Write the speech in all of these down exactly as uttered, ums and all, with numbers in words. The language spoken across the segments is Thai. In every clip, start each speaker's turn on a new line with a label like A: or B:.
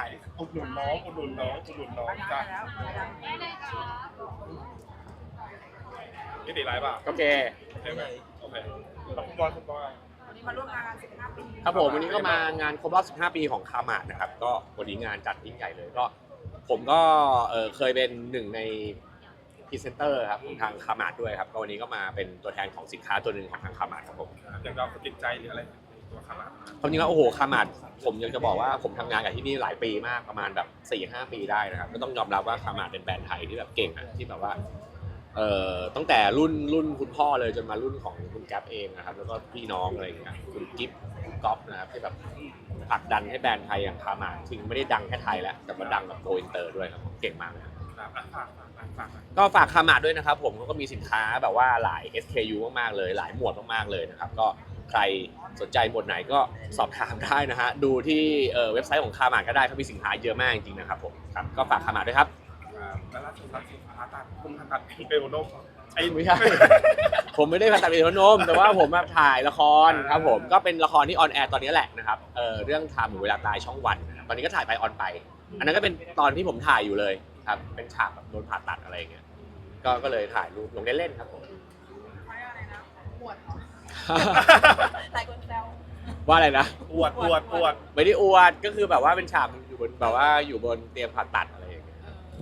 A: ายอุดหนุนน้องอุดหนุนน้องอุดหนุนน้องจ้ะนี่ติดไรป่ะ
B: โอเค
A: ใช่ไหมโอเคแล้วคุณบอยคุณบอย
C: วันนี้มาร่วมงานสิบห้าปี
B: ครับผมวันนี้ก็มางานครบรอบสิบห้าปีของคามาดนะครับก็วันนี้งานจัดยิ่งใหญ่เลยก็ผมก็เออเคยเป็นหนึ่งในพรีเซนเตอร์ครับของทางคามาดด้วยครับก็วันนี้ก็มาเป็นตัวแทนของสินค้าตัวหนึ่งของทางคามาดครับผม
A: อย่างเราติดใจหรืออะไรตัวคารา
B: ความจริงแล้วโอ้โหคามาดผมยังจะบอกว่าผมทำงานกับที่นี่หลายปีมากประมาณแบบ สี่ห้า ปีได้นะครับก็ต้องยอมรับว่าคามาดเป็นแบรนด์ไทยที่แบบเก่งอะที่แบบว่าเอ่อตั้งแต่รุ่นรุ่นคุณพ่อเลยจนมารุ่นของคุณแก๊ปเองนะครับแล้วก็พี่น้องอะไรอย่างเงี้ยคุณกิฟคุณก๊อฟนะครับที่แบบผลักดันให้แบรนด์ไทยอย่างคามาดจริงไม่ได้ดังแค่ไทยแล้วแต่ว่าดังแบบโกอินเตอร์ด้วยครับเก่งมากนะครับ
A: ฝากฝากฝาก
B: ก็ฝากคามาดด้วยนะครับผมก็มีสินค้าแบบว่าหลาย เอส เค ยู มากๆเลยหลายหมวดมากๆเลยนะครับก็ใครสนใจหมวดไหนก็สอบถามได้นะฮะดูที่เว็บไซต์ของคามาดก็ได้เขามีสินค้าเยอะมากจริงๆนะครับผมครับก็ฝากคามาดด้วยครับ
A: แล้วล่าสุดล่าสุดผ่าตัดคุณผ่าตัดเป็นโรคไอ้
B: ไม่ใช่ ผมไม่ได้ผ่าตัดเป็นหัวนมแต่ว่าผมมาถ่ายละครครับผมก็เป็นละครที่ออนแอร์ตอนนี้แหละนะครับเอ่อเรื่องไทม์หรือเวลาตายช่องวันนะครับตอนนี้ก็ถ่ายไปออนไปอันนั้นก็เป็นตอนที่ผมถ่ายอยู่เลยครับเป็นฉากแบบโดนผ่าตัดอะไรอย่างเงี้ยก็ก็เลยถ่ายรูปลงเล่นๆครับผม
C: ไม่อะไรนะปวดหลายคนแซว
B: ว่าอะไรนะ
A: ปวดปวดปวด
B: ไม่ได้อวดก็คือแบบว่าเป็นฉากอยู่บนแบบว่าอยู่บนเตียงผ่าตัดอะไรอย่างเงี้ย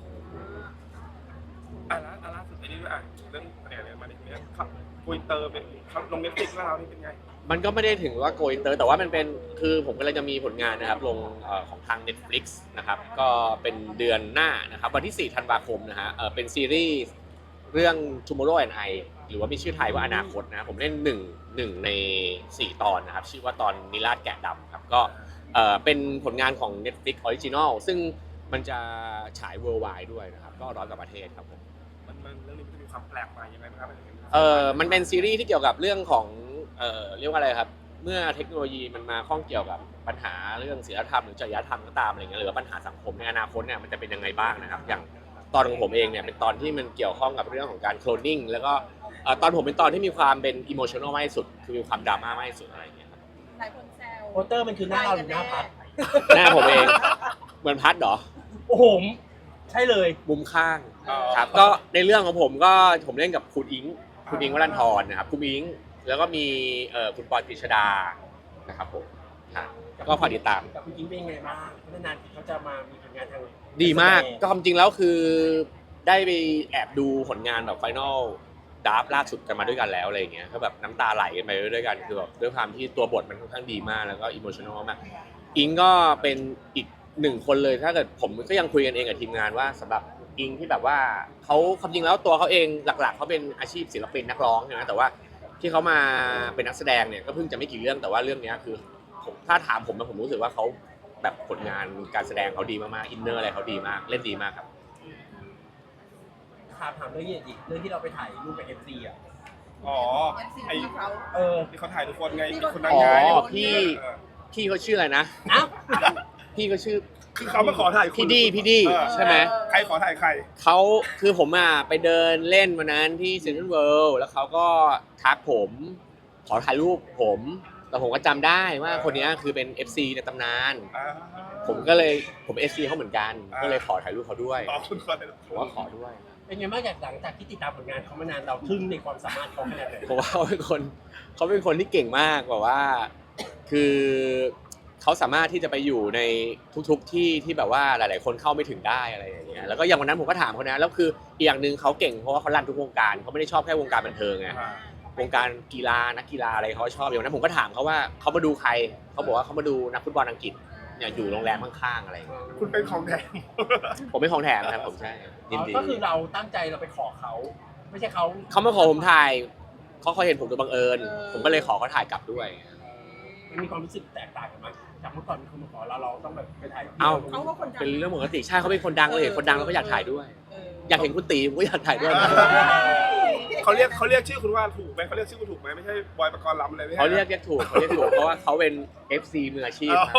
A: อ่ะแล้วล่าสุดไอ้นี่ด้วยอ่ะเรื่องอะไรเนี่ยมาเนี่ยเนี่ยครับคุยเตอร์เป็นลงเน็ตฟลิกซ์แล้วเรานี่เป็นไง
B: มันก็ไม่ได้ถึงว่าโกอินเตอร์แต่ว่ามันเป็นคือผมกำลังจะมีผลงานนะครับลงเอ่อของทาง Netflix นะครับก็เป็นเดือนหน้านะครับวันที่สี่ธันวาคมนะฮะเอ่อเป็นซีรีส์เรื่อง Tomorrow and I หรือว่ามีชื่อไทยว่าอนาคตนะผมเล่นหนึ่งหนึ่งในสี่ตอนนะครับชื่อว่าตอนนิราศแกะดำครับก็เอ่อเป็นผลงานของ Netflix Original ซึ่งมันจะฉาย worldwide ด้วยนะครับก็ร้อยกว่าประเทศครับผม
A: มันมันเรื่องนี้มันจะมีความแปลกใหม่ยังไงบ้างครับ
B: เอ่อมันเป็นซีรีส์ที่เกี่ยวกับเรื่องของเอ่อเรียกว่าอะไรครับเมื่อเทคโนโลยีมันมาข้องเกี่ยวกับปัญหาเรื่องศีลธรรมหรือจริยธรรมก็ตามอะไรเงี้ยหรือว่าปัญหาสังคมในอนาคตเนี่ยมันจะเป็นยังไงบ้างนะครับอย่างตอนของผมเองเนี่ยเป็นตอนที่มันเกี่ยวข้องกับเรื่องของการโคลนนิ่งแล้วก็เอ่อตอนผมเป็นตอนที่มีความเป็นอิโมชัน a ลมากที่สุดคือมีความดราม่ามากที่สุดอะไรเงี้ยครับ
C: หลายคนแซว
D: โปสเตอร์มันคือหน้าเราหรือหน้าพัด
B: หน้าผมเองเหมือนพัดเหรอ
D: โอ้โหใช่เลย
B: มุมข้างครับก็ในเรื่องของผมก็ผมเล่นกับคุณอิงคุณอิงวรันทรนะครับคุณอิงแล้วก็มีเอ่อคุณปอยกฤษดานะครับผมครับก็ฝากติดตาม
D: กับคุณยิ้มเป็นยังไงบ้างนานๆเขาจะมามีผลงานทาง
B: ดีมากก็จริงแล้วคือได้ไปแอบดูผลงานแบบไฟนอลดราฟล่าสุดกันมาด้วยกันแล้วอะไรอย่างเงี้ยก็แบบน้ำตาไหลกันไปด้วยกันคือแบบด้วยความที่ตัวบทมันค่อนข้างดีมากแล้วก็อิโมชัน a ลมากอิงก็เป็นอีกหนึ่งคนเลยถ้าเกิดผมก็ยังคุยกันเองกับทีมงานว่าสำหรับอิงที่แบบว่าเขาความจริงแล้วตัวเขาเองหลักๆเขาเป็นอาชีพศิลปินนักร้องใช่ไหมแต่ว่าที่เขามาเป็นนักแสดงเนี่ยก็เพิ่งจะไม่กี่เรื่องแต่ว่าเรื่องนี้คือผมถ้าถามผมผมรู้สึกว่าเขาแบบผลงานการแสดงเขาดีมากๆอินเนอร์อะไรเขาดีมากเล่นดีมากครับ
D: ถามถามเรื่องนี้อีกเรื่องที่เราไปถ่ายรูปกับเอฟซีอ่ะ
A: อ๋อ
C: เอฟซี
A: ไอ้
C: ที่เขา
D: เออ
A: ที่เขาถ่ายทุกคนไงมีคนดัง
B: อ๋อ
A: ไง
B: พี่พี่เขาชื่ออะไรนะ
D: อ้าว
B: พี่เขาชื่อ
A: คือเขามาขอถ่ายคุณ
B: พี่ดีพี่ดี
A: เออ
B: ใช่ไหม
A: ใครขอถ่ายใคร
B: เขาคือผมอ่ะไปเดินเล่นวันนั้นที่เซ็นทรัลเวิลด์แล้วเขาก็ทักผมขอถ่ายรูปผมแต่ผมก็จำได้ว่าคนนี้คือเป็น เอฟ ซี ในตำนาน
A: อ่า
B: ผมก็เลยผม เอฟ ซี เขาเหมือนกัน
A: อ่า
B: ก็เลยขอถ่ายรูปเขาด้วย
A: ต่อคุณคนเลย
B: ผมว่าขอด้วย
D: เป็นไงบ้างจากหลังจากที่ติดตามผลงานเขามานานเราทึ่งในความสามารถเขาขนาดไหน
B: ผมว่าเขาเป็นคนเขาเป็นคนที่เก่งมากแบบว่าคือเขาสามารถที่จะไปอยู่ในทุกๆที่ที่แบบว่าหลายๆคนเข้าไม่ถึงได้อะไรอย่างเงี้ยแล้วก็อย่างวันนั้นผมก็ถามเขานะแล้วคืออีกอย่างหนึ่งเขาเก่งเพราะว่าเขารันทุกวงการเขาไม่ได้ชอบแค่วงการบันเทิงไง
A: อ่า
B: วงการกีฬานักกีฬาอะไรเขาชอบอย่างนั้นผมก็ถามเขาว่าเขามาดูใครเขาบอกว่าเขามาดูนักฟุตบอลอังกฤษเนี่ยอยู่โรงแรมข้างๆอะไรอย่างเงี้ย
A: คุณเป็นของแดง
B: ผมเป็นของแถมนะครับผมใช่ยินดี
D: ก็คือเราตั้งใจเราไปขอเขาไม่ใช่เขา
B: เขามาขอผมถ่ายเขาเขาเห็นผมโดยบังเอิญผมก็เลยขอเขาถ่ายกลับด้วย
D: มันมีความรู้สึกแตกต่างกันไหมจากเมื่อก่อนมีคนมาขอเราเราต้องแบบไปถ่าย
B: เอ้า
C: เขาก็คนดัง
B: เป็นเรื่องปกติใช่เขาเป็นคนดังเลยเห็นคนดังแล้วก็อยากถ่ายด้วย อยากเห็นคุณตีผมก็อยากถ่ายด้วยนะ
A: เขาเรียกเขาเรียกชื่อคุณว่าถูกไหมเขาเรียกชื่อคุณถูกไหมไม่ใช่บอยปกรณ์ลำอะไรไม่ใช่
B: เขาเรียกเรียกถูกเขาเรียกถูกเพราะว่าเขาเป็น เอฟ ซี มืออาชีพครับ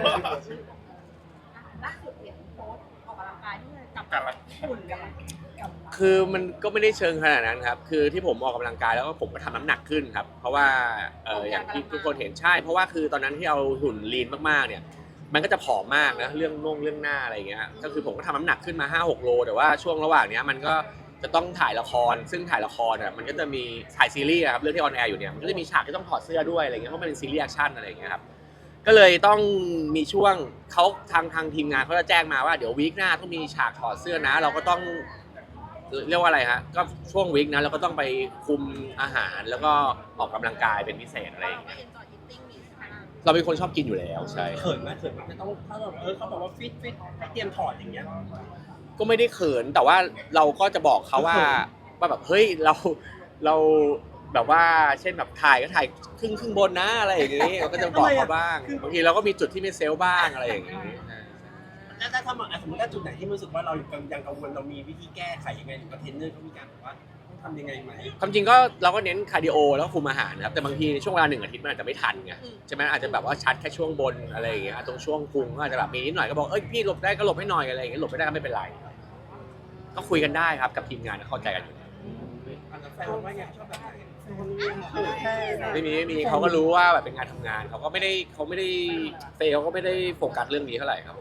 C: ล่าสุดเห็นโพสต์ออกกำลังกายที่กับหุ่นกันกับ
B: คือมันก็ไม่ได้เชิงขนาดนั้นครับ คือที่ผมออกกำลังกายแล้วก็ผมก็ทำน้ำหนักขึ้นครับ เพราะว่าเอออย่างที่ทุกคนเห็นใช่ เพราะว่าคือตอนนั้นที่เอาหุ่นลีนมากๆเนี่ยมันก็จะผอมมากนะเรื่องน่งเรื่องหน้าอะไรอย่างเงี้ยก็คือผมก็ทำน้ำหนักขึ้นมา ห้าหก โลแต่ว่าช่วงระหว่างเนี้ยมันก็จะต้องถ่ายละครซึ่งถ่ายละครอ่ะมันก็จะมีถ่ายซีรีส์ครับเรื่องที่ออนแอร์อยู่เนี่ยมันก็จะมีฉากที่ต้องถอดเสื้อด้วยอะไรเงี้ยเพราะมันเป็นซีรีส์แอคชั่นอะไรอย่างเงี้ยครับก็เลยต้องมีช่วงเขาทางทางทีมงานเขาจะแจ้งมาว่าเดี๋ยววีคหน้าต้องมีฉากถอดเสื้อนะเราก็ต้องเรียกว่าอะไรฮะก็ช่วงวีคนะเราก็ต้องไปคุมอาหารแล้วก็ออกกำลังกายเป็นพิเศษอะไรอย่าง
C: ก็
B: เงี้ย
C: enjoy eating มีใช่ไหมล่ะ
B: เราเป็นคนชอบกินอยู่แล้วใช่
D: เขินไหมเขินไหมไม่ต้องถ้าแบบเออเขาบอกว่าฟิตฟิตให้เตรียมถอดอย่างเงี้ย
B: ก็ไม่ได้เขินแต่ว่าเราก็จะบอกเขาว่าว่าแบบเฮ้ยเราเราแบบว่าเช่นแบบถ่ายก็ถ่ายครึ่งครึ่งบนนะอะไรอย่างงี้เราก็จะบอกเขาบ้างบางทีเราก็มีจุดที่ไม่เซลล์บ้างอะไรอย่างงี้
D: แล้วถ้าทำสมมติถ้าจุดไหนที่รู้สึกว่าเรายังกังวลเรามีวิธีแก้ไขยังไงหรือว่าเทรนเนอร์เขามีการบอกว่าต้องทำยังไงไหม
B: ความจริงก็เราก็เน้นคาร์ดิโอแล้วก็คุมอาหารนะครับแต่บางทีในช่วงเวลาหนึ่งอาทิตย์มันอาจจะไม่ทันไงใช่ไหมอาจจะแบบว่าชัดแค่ช่วงบนอะไรอย่างเงี้ยตรงช่วงพุงก็อาจจะแบบมีนิดหน่อยก็บอกเอ้ยพี่หลบได้ก็หลบให้หน่อยอะไรอย่างเงี้ยหลบไม่ได้ก็ไม่เป็นไรก็คุยกันได้ครับกับทีมงานเข้าใจกันอยู่
D: อันนั้นแฟนว่าไงชอบแบบไหน
B: ไม่มีไม่มีเขาก็รู้ว่าแบบเป็นงานทำงานเขาก็ไม่ได้เขาไม่ได้เฟย์เขาก็ไม่ได้โฟกัสเรื่องนี้เท่าไหร่ครับผม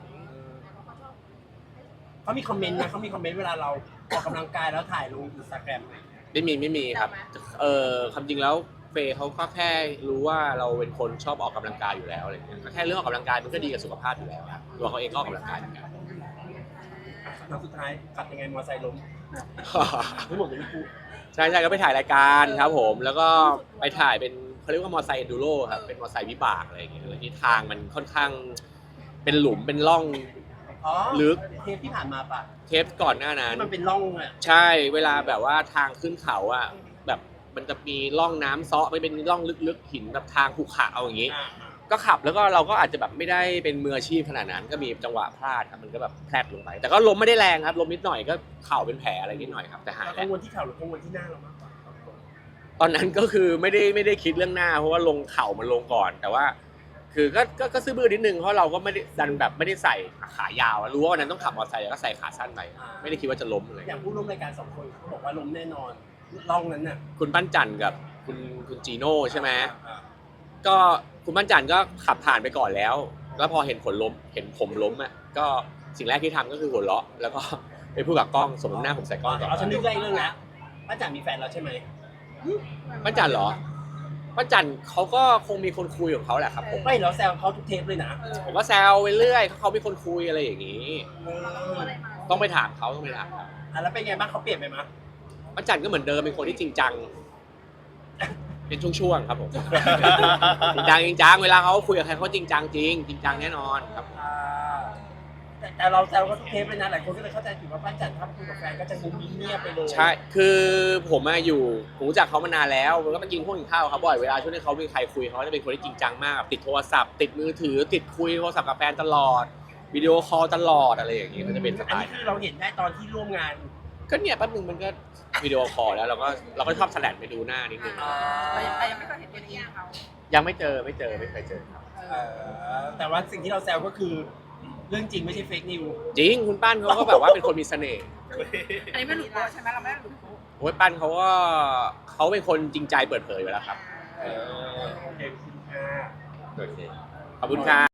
D: เขามีคอมเมนต์นะเขามีคอมเมนต์เวลาเราออกกำลังกายแล้วถ่ายลงอินสตาแกรมอะไรอย่างเงี้ย
B: ไม่มีไม่มีครับเออความจริงแล้วเฟย์เขาก็แค่รู้ว่าเราเป็นคนชอบออกกำลังกายอยู่แล้วอะไรเงี้ยก็แค่เรื่องออกกำลังกายมันก็ดีกับสุขภาพอยู่แล้วครับตัวเขาเองก็ออกกำลังกายเหมือนกัน
D: ครั้งสุดท้ายขับยังไงมอเตอร์ไซค์ล้มไม่หมดเลยพี่กู
B: ใช่ใช่ก็ไปถ่ายรายการครับผมแล้วก็ไปถ่ายเป็นเขาเรียกว่ามอเตอร์ไซค์เอนดูโรครับเป็นมอเตอร์ไซค์วิบากอะไรอย่างเงี้ยแล้วที่ทางมันค่อนข้างเป็นหลุมเป็นร่อง
D: อ๋อ
B: ลึก
D: เทปที่ผ่านมาปะ
B: เทปก่อนหน้านั้น
D: ที่มันเป็นร่องอ่ะ
B: ใช่เวลาแบบว่าทางขึ้นเขาอ่ะแบบมันจะมีร่องน้ำเซาะไม่เป็นร่องลึกๆหินแบบทางขรุขระเอาอย่างงี้
D: อ่า
B: ก็ขับแล้วก็เราก็อาจจะแบบไม่ได้เป็นมืออาชีพขนาดนั้นก็มีจังหวะพลาดครับมันก็แบบแพลดลงไป แต่ก็ล้มไม่ได้แรงครับล้มนิดหน่อยก็เข่าเป็นแผลอะไรนิดหน่อยครับแต่หาย
D: เรา
B: แล้
D: กั
B: ว
D: งวลที่เข่าหรือกังวลที่หน้าเรามากกว่า
B: ตอนนั้นก็คือไม่ได้ไม่ได้คิดเรื่องหน้าเพราะว่าลงเข่ามันลงก่อน แต่ว่า คือก็ก็ก็ซื้อบื้อนิดนึงเพราะเราก็ไม่ได้ดันแบบไม่ได้ใส่ขายาวรู้ว่าวันนั้นต้องขับมอเตอร์ไซค์ก็ใส่ขาสั้นไปไม่ได้คิดว่าจะล้มเลย
D: อย่างผู้ร่วมรายการสองคนเขาบอกว่าล้มแน่นอนร่องนั้นน่ะ
B: คุณปั้นจันกับคุณคุณจีโน่ใช่ไหม
D: อ่า
B: ก็คุณปั้นจันก็ขับผ่านไปก่อนแล้ว แล้วพอเห็นผลล้มเห็นผมล้มอ่ะก็สิ่งแรกที่ทำก็คือหัวเราะแล้วก็ไปพูดกับกล้องสมมติหน้าผมใส่กล้องก่อน
D: เอาฉันนึกได้เรื่องแล้วป้าจ๋ามีแฟนแล้วใช่ไหม
B: ปั้นจันเหรอปั้นจันเขาก็คงมีคนคุยของเขาแหละครับผม
D: ไม่เราแซวเขาทุกเทปเลยนะ
B: ผมก็แซวไปเรื่อยเขามีคนคุยอะไรอย่างนี้
D: เออ
C: อะไรมา
B: ต้องไปถามเขาต้องไปถามเขา
D: อ่ะแล้วเป็นไงบ้างเขาเปลี่ยนไปไหมย
B: ปั้นจันก็เหมือนเดิมเป็นคนที่จริงจังเป็นช่วงๆครับผม จริงจังจริงจังเวลาเขาคุยกับใครเขาจริงจังจริงจริงจังแน่นอนครับ
D: อ่าแต่แต่เราแซวเขาทุกเทปเลยนะหลายคนก็เลยเข้าใจผิดว่าป้าจ๋าถ้าคุยกับแฟนก็จะงุ้มยิ้มเงียบไปเลย
B: ใช่ คือผมมาอยู่ผมรู้จักเขามานานแล้วแล้วก็มากินพวกกินข้าวเขาบ่อย เวลาช่วงที่เขามีใครคุยเขาจะเป็นคนที่จริงจังมาก ติดโทรศัพท์ ติดมือถือ ติดคุยโทรศัพท์กับแฟนตลอด วิดีโอคอลตลอดอะไรอย่างเงี้ยก็จะเป็นส
D: อัน
B: ไต
D: นี้
B: ล์
D: คือเราเห็นได้ตอนที่ร่วมงาน
B: ก็เนี่ยแป๊บนึงมันก็วิดีโอคอลแล้วเราก็เราก็ชอบแสลนไปดูหน้านิดนึง
C: แต่ยังแต่ยังไม่เคยเห็นตัวจริงเขา
B: ยังไม่เจอไม่เจอไม่เคยเจอครับ
D: เออแต่ว่าสิ่งที่เราแซวก็คือเรื่องจริงไม่ใช่เฟกนิว
B: จริงคุณปั้นเขาก็แบบว่าเป็นคนมีเสน่ห์
C: อันนี้ไม่หลุดโป๊ะใช่ไหมเราไม่ได้หลุดโป๊ะ
B: โอ้ยปั้นเขาก็เขาเป็นคนจริงใจเปิดเผยอยู่แล้วครับ
D: เออโอเคคุณค่ะ
B: โอเคขอบคุณครับ